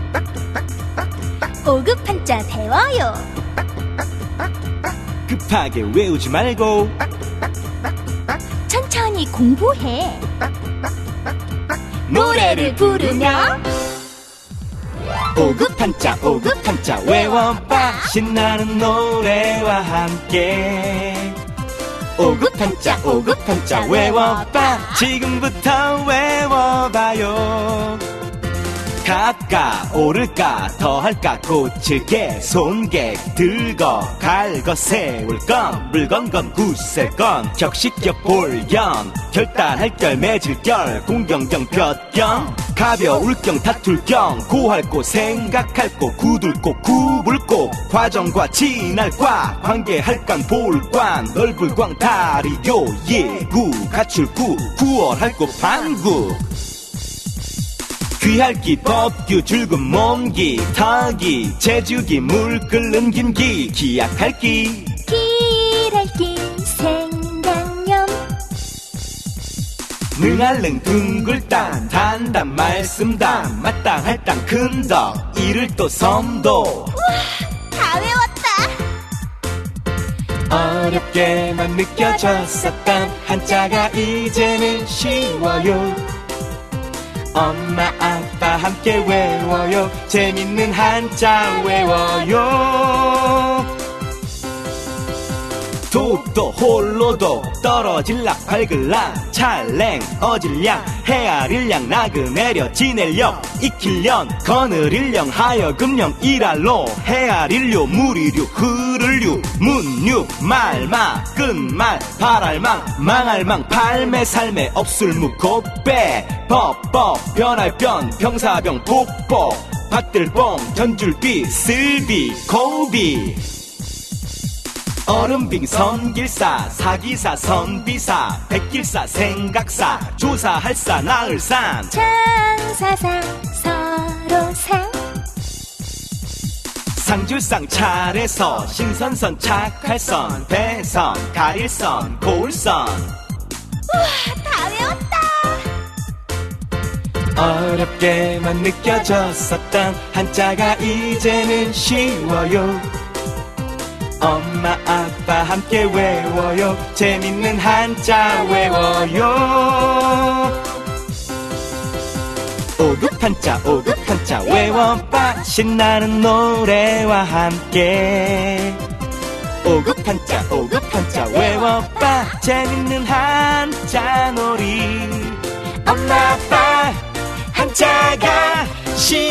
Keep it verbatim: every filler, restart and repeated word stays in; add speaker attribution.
Speaker 1: 오급 한자 배워요.
Speaker 2: 급하게 외우지 말고
Speaker 1: 천천히 공부해.
Speaker 2: 노래를 부르며 오급 한자 오급 한자 외워봐. 신나는 노래와 함께 오급 한자 오급 한자 외워봐. 지금부터 외워봐요. 갈까 오를까 더할까 고칠게 손객 들거 갈거 세울 건 물건 건 굳셀 건 격식격 볼견 결단할 결 맺을 결 공경경 볕경 가벼울 경 다툴 경 고할 고 생각할 고 굳을 고 굽을 고 과정과 지날 과 관계할 관 볼 관 넓을 광 다리 요 예구 갖출 구 구월할 고 반구 귀할기 법규 줄금 몸기 타기 재주기 물 끓는 김기 기약할기
Speaker 1: 길할기 생강염
Speaker 2: 능할능 둥글단 단단 말씀단 마땅할 땅 큰덕 이를 또 섬도
Speaker 1: 다 외웠다.
Speaker 2: 어렵게만 느껴졌었던 한자가 이제는 쉬워요. 엄마 아빠 함께 외워요. 재밌는 한자 외워요. 독도 홀로도 떨어질락 밝을락 찰랭 어질량 헤아릴량 나그네려 지낼력 익힐련 거느릴령 하여금령 일할로 헤아릴료 무리류 흐를류 문류 말마 끝말 발알망 망알망 팔매 살매 없술무 곱배 법법 변할변 병사병 복복 밭들뽕 전줄비 쓸비 고비 얼음빙 선길사 사기사 선비사 백길사 생각사 조사할사 나을산
Speaker 1: 장사상 서로상
Speaker 2: 상줄상 차례서 신선선 착할선 배선 가릴선 고울선
Speaker 1: 우와 다 외웠다.
Speaker 2: 어렵게만 느껴졌었던 한자가 이제는 쉬워요. 엄마 아빠 함께 외워요. 재밌는 한자 외워요. 오급 한자 오급 한자 외워봐. 신나는 노래와 함께 오급 한자 오급 한자 외워봐. 재밌는 한자 놀이 엄마 아빠 한자가 쉬워요.